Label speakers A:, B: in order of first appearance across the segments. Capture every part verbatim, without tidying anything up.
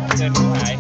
A: เชิญผู้หาย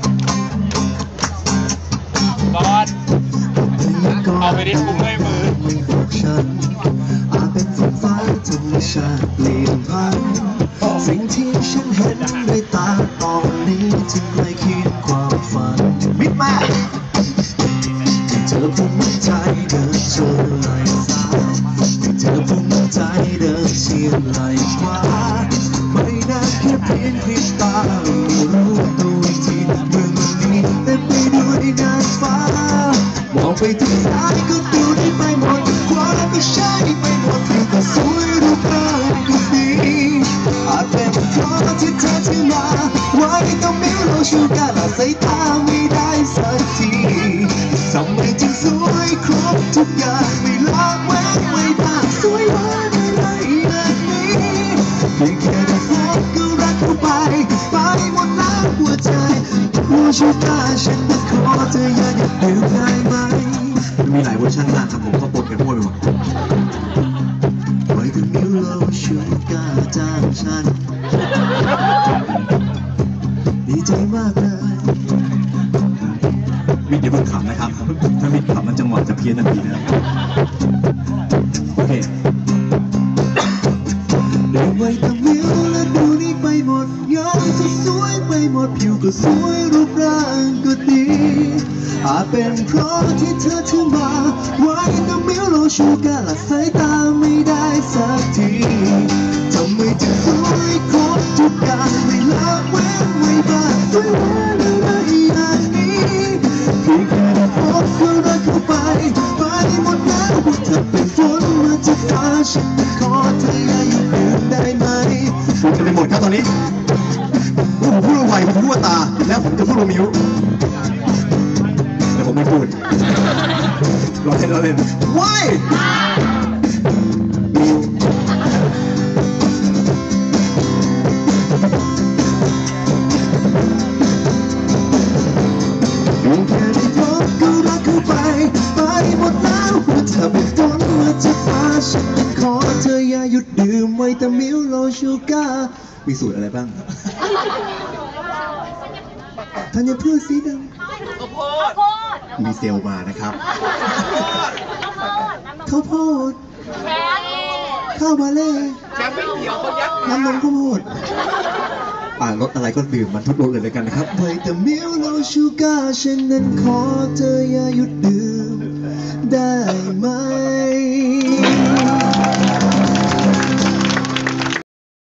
A: บอสเอาไปดิคุ้มด้วยมือ
B: อาจเป็นฝนฟ้าธรรมชาติเปลี่ยนพันสิ่งที่ฉันเห็นด้วยตาตอนนี้จึงไม่คิดความฝันมิดมากเธอภูมิใจเดินชนไหลซ้ายเธอภูมิใจเดินเชียงไหลขวาไม่นานแค่เพียงพริบตารู้ตัวอีกทีเมืองนี้เต็มไปด้วยนางฟ้ามองไปทางซ้ายก็ดูได้ไปหมดขวาก็ใช่ไปหมดผิวก็สวยรูปร่างก็ดีอาจเป็นเพราะที่เธอที่มาไว้ต้องมีโลชูการละสายตาไม่ได้สักทีทำไมจึงสวยครบทุกอย่างไม่ละแวกไม่ได้สวยหวานอะไรแบบนี้เพียงแค่ได้พบก็รักเข้าไปไปหมดแล้วหัวใจโลชูการฉันจะขอเธออย่าหยุดดื่มได้ไหมมีหลายเวอร์ชันมากครับผมก็ปนกันมั่วไปหมดไว้ถึงมิวโลชูการจ้างฉันดีใจมากเลยวิทย์อย่าเพิ่งขำนะครับถ้าวิทย์ขำมันจังหวะจะเพี้ยนทันทีนะครับโอเคเดินไว้ทางวิวและดูนี่ไปหมดงามก็สวยไปหมดผิวก็สวยรูปร่างก็ดีอาจเป็นเพราะที่เธอถือมาไว้น้ำมิวโลชูการละสายตาไม่ได้สักทีทำไมจึงสวยครบทุกอย่างไม่ละเว้นไว้บ้างสวยหวานอะไรอย่างนี้เพียงแค่ได้พบก็รักเข้าไปไปหมดแล้วว่าเธอเป็นฝนมาจากฟ้าฉันจะขอเธออย่าหยุดดื่มได้ไหมพูดกันไปหมดครับตอนนี้ผมพูดว่าไหวผมพูดว่าตาแล้วผมจะพูดว่ามิวแต่ผมไม่พูดเราเล่นเราเล่นว้ายมิวแค่ได้พบก็รักเข้าไปไปหมดแล้วว่าเธอเป็นฝนมาจากฟ้าฉันจะขอเธออย่าหยุดดื่มไว้แต่มิวโลชูการ์มีสูตรอะไรบ้างธัญพืชสีดำข้าวโพดมีเซลล์มานะครับข้าวโพดข้าวบาเล่น้ำนมข้าวโพดอ่ารสอะไรก็ดื่มมันทุกรสเลยเลยกันนะครับไว้แต่มิวโลชูการ์ฉันนั้นขอเธออย่าหยุดดื่มได้ไหม